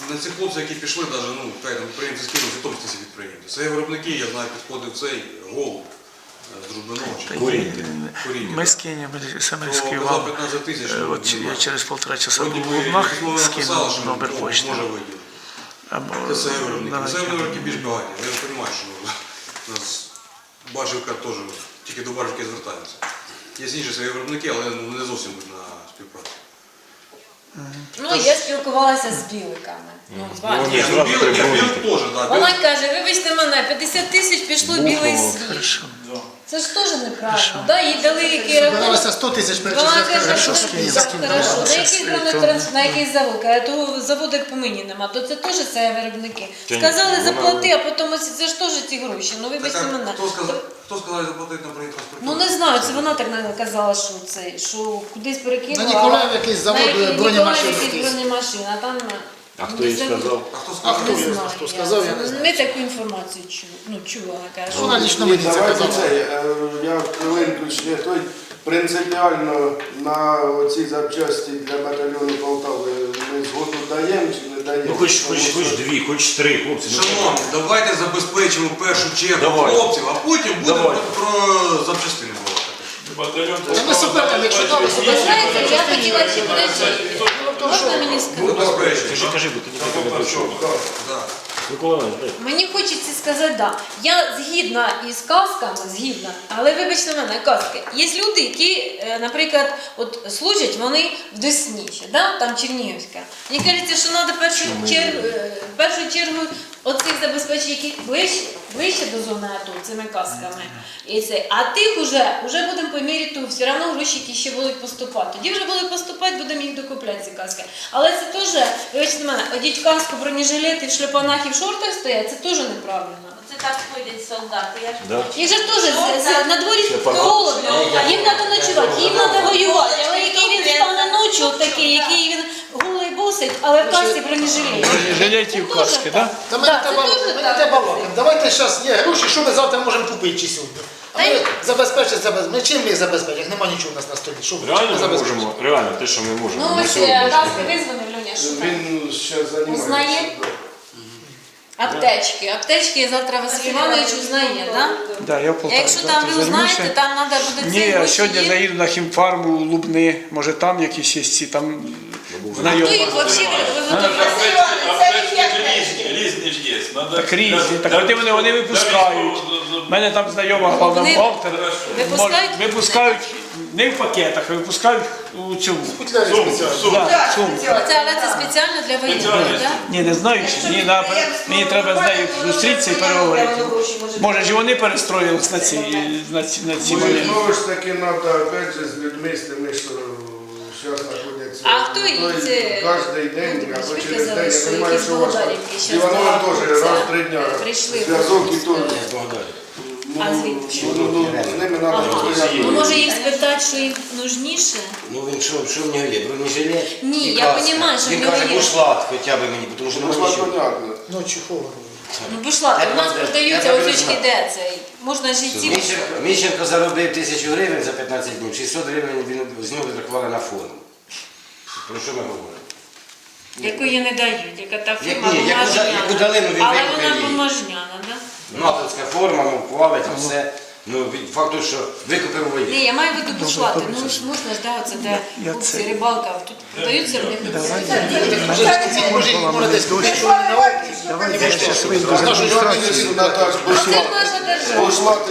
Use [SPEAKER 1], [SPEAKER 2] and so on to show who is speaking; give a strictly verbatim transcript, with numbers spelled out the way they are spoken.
[SPEAKER 1] на цих хлопців, які пішли, навіть, ну, хай там підприємці скинули, житомські ці підприємці. Це виробники, я знаю, підходив цей голуб з Дружбиного.
[SPEAKER 2] Куріння. Ми скинемо, саме
[SPEAKER 1] То
[SPEAKER 2] скину
[SPEAKER 1] казав
[SPEAKER 2] вам.
[SPEAKER 1] п'ятнадцять тисяч.
[SPEAKER 2] Е, От я через полтора часа був в Лубнах, скинув номер почти.
[SPEAKER 1] Може виділити. Це все виробники. Це виробники більш багаті. Я розумію, що у нас Бажівка теж, тільки до Бажівки звертаємося. Є інші свої виробники, але не зовсім на співпрацю.
[SPEAKER 3] Ну, я спілкувалася з біликами. Ну, з вами.
[SPEAKER 1] Ні, ну білик, білик теж, так.
[SPEAKER 3] Вона каже, вибачте мене, п'ятдесят тисяч пішло білий світ.
[SPEAKER 2] Хорошо.
[SPEAKER 3] Це ж теж неправильно, да? Їй дали який рахунок.
[SPEAKER 4] Збиралося сто тисяч
[SPEAKER 3] Вона
[SPEAKER 4] перечисляти.
[SPEAKER 3] каже,
[SPEAKER 2] Хорошо,
[SPEAKER 3] що
[SPEAKER 2] скинемо,
[SPEAKER 3] так,
[SPEAKER 2] скинемо.
[SPEAKER 3] хорошо. На
[SPEAKER 2] Щас,
[SPEAKER 3] який
[SPEAKER 2] е,
[SPEAKER 3] вони
[SPEAKER 2] то-
[SPEAKER 3] транс- на який завод? Каже, того заводу як по мені нема, то це теж це виробники. Сказали заплати, а потім ось це ж теж ці гроші. Ну вибачте мене.
[SPEAKER 1] Хто сказав, хто сказав заплатити на проєкт транспорту?
[SPEAKER 3] Ну не знаю, це вона так не казала, що це, що кудись перекинула.
[SPEAKER 4] На Ніколаєв якийсь завод
[SPEAKER 3] На який-
[SPEAKER 4] бронемашин
[SPEAKER 3] Ніколаєв якийсь
[SPEAKER 4] якийсь.
[SPEAKER 3] бронемашин, а там...
[SPEAKER 5] А хто їй сказав?
[SPEAKER 1] А хто
[SPEAKER 4] А
[SPEAKER 1] сказав?
[SPEAKER 4] хто
[SPEAKER 3] Не
[SPEAKER 4] їй
[SPEAKER 3] знаю,
[SPEAKER 4] хто
[SPEAKER 3] я.
[SPEAKER 4] сказав, я не знаю.
[SPEAKER 3] Ми таку інформацію чули, ну чула, каже.
[SPEAKER 4] Вона лично мені це
[SPEAKER 6] Давайте
[SPEAKER 4] казала.
[SPEAKER 6] це, е, я хвилинку ще той принципіально на оці запчасті для батальйону Полтави ми згоду даємо чи не даємо?
[SPEAKER 5] Ну хоч, хоч, хоч дві, хоч три, хлопці. ну,
[SPEAKER 1] Шановні, давайте забезпечимо в першу чергу
[SPEAKER 5] Давай.
[SPEAKER 1] хлопців, а потім будемо
[SPEAKER 5] Давай.
[SPEAKER 1] про запчастини говорити.
[SPEAKER 7] Батальйон
[SPEAKER 4] Та ми суперники, якщо дали
[SPEAKER 3] Ви
[SPEAKER 4] суперники.
[SPEAKER 3] знаєте, я хотіла ще подождіть. Можна мені
[SPEAKER 1] Ну,
[SPEAKER 3] сказати?
[SPEAKER 1] безперечно.
[SPEAKER 5] Кажи, кажи, бо тоді тебе не почув.
[SPEAKER 1] Да.
[SPEAKER 5] Микола Іванович, дай.
[SPEAKER 3] Мені хочеться сказати, да. Я згідна із казками, згідна, але вибачте мене, казки. Є люди, які, е, наприклад, от служать вони в Десні, ще, да? Там Чернігівська. Мені кажеться, що треба першу чергу, е, в першу чергу оцих забезпечень, які ближче, ближче до зони АТО, цими казками. І це. А тих уже, уже будемо по мірі того, все одно гроші, які ще будуть поступати. Тоді вже будуть поступати, будемо їх докупляти, ці каски. Але це теж, вибачте мене, одіть каску, бронежилети, в шлепанах і в шортах стоять, це теж неправильно.
[SPEAKER 8] Це так ходять солдати, я ж
[SPEAKER 5] Да.
[SPEAKER 8] бачу.
[SPEAKER 3] Їх же теж з- з- на дворі холодно, їм треба ночувати, їм треба воювати. Але який він стане ночі, от такий, який він голий босить, але в касці бронежилет.
[SPEAKER 2] Бронежилеті в каски, так?
[SPEAKER 4] Та ми
[SPEAKER 3] Так,
[SPEAKER 4] не
[SPEAKER 3] це
[SPEAKER 4] треба
[SPEAKER 3] дуже
[SPEAKER 4] ми не
[SPEAKER 3] так.
[SPEAKER 4] треба балакати. Давайте зараз є гроші, що ми завтра можемо купити чи сьогодні. А ми забезпечити забезпечити. Ми чим ми їх забезпечимо? Як немає нічого у нас на столі. Що ми
[SPEAKER 5] Реально ми
[SPEAKER 4] забезпечимо?
[SPEAKER 5] можемо, реально те, що ми можемо.
[SPEAKER 3] Ну
[SPEAKER 5] на
[SPEAKER 3] ось
[SPEAKER 5] сьогодні.
[SPEAKER 3] е, каски визвонив, Льоня, що там?
[SPEAKER 6] Він ще займається.
[SPEAKER 3] Узнає? Аптечки. Аптечки завтра Василь Іванович узнає, так?
[SPEAKER 2] Да, я в Полтаві
[SPEAKER 3] Якщо там
[SPEAKER 2] завтра
[SPEAKER 3] ви
[SPEAKER 2] займуся.
[SPEAKER 3] узнаєте, там треба буде
[SPEAKER 2] Ні,
[SPEAKER 3] цей
[SPEAKER 2] а
[SPEAKER 3] гроші
[SPEAKER 2] сьогодні
[SPEAKER 3] є.
[SPEAKER 2] заїду на хімфарму, Лубни, може там якісь є ці, там
[SPEAKER 3] Хто
[SPEAKER 2] знайомі.
[SPEAKER 3] їх взагалі виготовляє?
[SPEAKER 7] різні, різні ж є. Надо-
[SPEAKER 2] Так різні, так вони, вони, вони випускають. У мене там знайома главна
[SPEAKER 3] Вони
[SPEAKER 2] бухгалтер.
[SPEAKER 3] випускають?
[SPEAKER 2] Може, випускають не в пакетах, а випускають у цьому.
[SPEAKER 4] Футлярі спеціально.
[SPEAKER 2] Да, сумку.
[SPEAKER 3] Це, але це спеціально для воєнних, так?
[SPEAKER 2] Ні, не знаю, чи ні, на, мені треба з нею зустрітися і переговорити. Може ж і вони перестроїлись на ці, на ці, на ці
[SPEAKER 6] Ну,
[SPEAKER 2] моменти.
[SPEAKER 6] знову ж таки, треба, опять же, з людьми, з тими, що зараз знаходяться.
[SPEAKER 3] А хто їх це-
[SPEAKER 6] Кожен день, або
[SPEAKER 3] Ви
[SPEAKER 6] через
[SPEAKER 3] казали,
[SPEAKER 6] день,
[SPEAKER 3] що
[SPEAKER 6] я розумію,
[SPEAKER 3] якісь
[SPEAKER 6] що у вас
[SPEAKER 3] Богданівки щас
[SPEAKER 6] Іваново
[SPEAKER 3] багато
[SPEAKER 6] теж
[SPEAKER 3] це
[SPEAKER 6] раз в три дня
[SPEAKER 3] прийшли.
[SPEAKER 6] зв'язок і то.
[SPEAKER 3] А звідки?
[SPEAKER 6] Ну, ну, з ними треба
[SPEAKER 3] Ага.
[SPEAKER 6] постоянно.
[SPEAKER 3] Ну може їх спитати, що їм нужніше?
[SPEAKER 9] Ну він що, що в нього є? Бронежилет?
[SPEAKER 3] Ні,
[SPEAKER 9] і
[SPEAKER 3] я
[SPEAKER 9] каска.
[SPEAKER 3] розумію, що в
[SPEAKER 9] Він
[SPEAKER 3] нього
[SPEAKER 9] каже,
[SPEAKER 3] є.
[SPEAKER 9] бушлат хоча б мені, тому що
[SPEAKER 6] Ну,
[SPEAKER 9] немає
[SPEAKER 6] ж
[SPEAKER 9] нічого.
[SPEAKER 6] понятно.
[SPEAKER 4] Ночі холодно.
[SPEAKER 3] Ну пішла,
[SPEAKER 9] Так,
[SPEAKER 3] у нас
[SPEAKER 9] треба-
[SPEAKER 3] продаються
[SPEAKER 9] треба
[SPEAKER 3] ось очки,
[SPEAKER 9] знати.
[SPEAKER 3] де цей. Можна ж і ці.
[SPEAKER 9] Міщенко, Міщенко заробив тисячу гривень за п'ятнадцять днів, шістсот гривень він з нього відрахували на фонд. Про що ми говоримо?
[SPEAKER 3] Яку їй не дають, яка та
[SPEAKER 9] Як
[SPEAKER 3] форма
[SPEAKER 9] ні, яку за-
[SPEAKER 3] бумажняна.
[SPEAKER 9] яку дали, ну, він
[SPEAKER 3] Але
[SPEAKER 9] викупив
[SPEAKER 3] вона
[SPEAKER 9] її.
[SPEAKER 3] бумажняна, так?
[SPEAKER 9] Натовська форма, ну, плавить, все. Ну, від факту, що викупив воєнний.
[SPEAKER 3] Ні, я маю в виду бушлати. Ну ж можна ж, да, оце де
[SPEAKER 2] Я
[SPEAKER 3] хлопці,
[SPEAKER 2] це-
[SPEAKER 3] рибалка, тут продаються в них.
[SPEAKER 4] Може, ці може, може десь купити, що вони на око.
[SPEAKER 2] Давайте я зараз вийду з
[SPEAKER 6] Нашу
[SPEAKER 2] адміністрації.
[SPEAKER 6] організацію, Наташ,
[SPEAKER 3] Це ж наша держава.
[SPEAKER 6] бушлат